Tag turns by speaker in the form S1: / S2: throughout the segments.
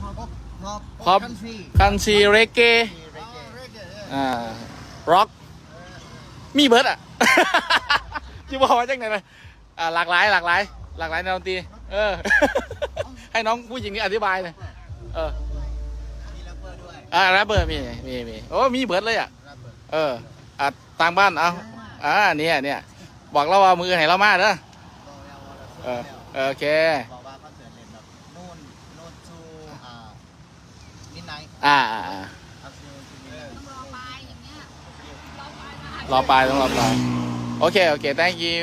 S1: พอปคันซีเรเกร็อกมีเบิร์ดอ่ะ จะบอกว่าจังไหนเลยหลากหลายแนวดนตรีให้น้องผู้หญิงนี่อธิบายเลย
S2: มีแรปเปอร์ด้วย
S1: แรปเปอร์มีโอ้มีเบิร์ดเลยอ่ะต่างบ้านเอาเนี่ยบอกเราว่ามือให้เรามาเด้อโอเค
S2: บอกว่าคอนเสิร์ตเล่นแบบนู่นชูมิดไนท์
S1: รอปลายต้องรอปลายโอเค thank you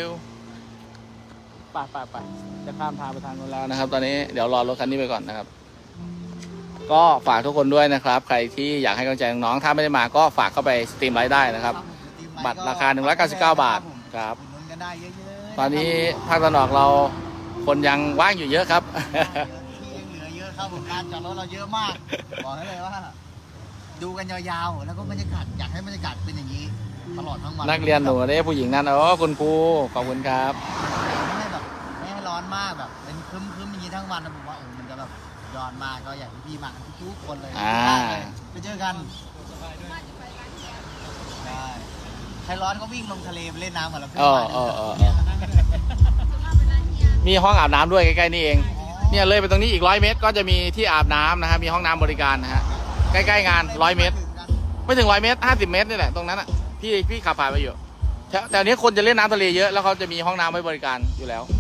S1: ไปจะข้ามทางไปทางนู้นแล้วนะครับ ตอนนี้เดี๋ยวรอรถคันนี้ไปก่อนนะครับก็ฝากทุกคนด้วยนะครับใครที่อยากให้กำลังใจน้องๆถ้าไม่ได้มาก็ฝากเข้าไปสตรีมไลฟ์ได้นะครับบัตรราคา199 บาทครับตอนนี้ภาคตะวันออกเราคนยังว่างอยู่เยอะครับ
S2: ที่ยังเหลือเยอะครับผมการจอดรถเราเยอะมากบอกให้เลยว่าดูกันยาวๆแล้วก็บรรยากาศอยากให้บรรยากาศเป็นอย่างนี้ตลอดทั้งวัน
S1: นักเรียนหนูได้ผู้หญิงนั่นคุณครูขอบคุณครับ
S2: ไม่ให้ร้อนมากแบบเป็นครึ้มอย่างนี้ทั้งวันนะผมว่ามันจะแบบย้อนมากก็อยากให้พี่มาทุกคนเลยไปเจอกันได้ใครร้อนก็วิ่งลงทะเลไปเล่นน้ำกับเรา
S1: มีห้องอาบน้ำด้วยใกล้ๆนี่เองเนี่ยเลยไปตรงนี้อีก100 เมตรก็จะมีที่อาบน้ำนะครับมีห้องน้ำบริการนะฮะใกล้ๆงาน100 เมตรไม่ถึง100 เมตร50 เมตรนี่แหละตรงนั้นอ่ะพี่ขับผ่านไปอยู่แต่นี้คนจะเล่นน้ำทะเลเยอะแล้วเขาจะมีห้องน้ำไว้บริการอยู่แล้ว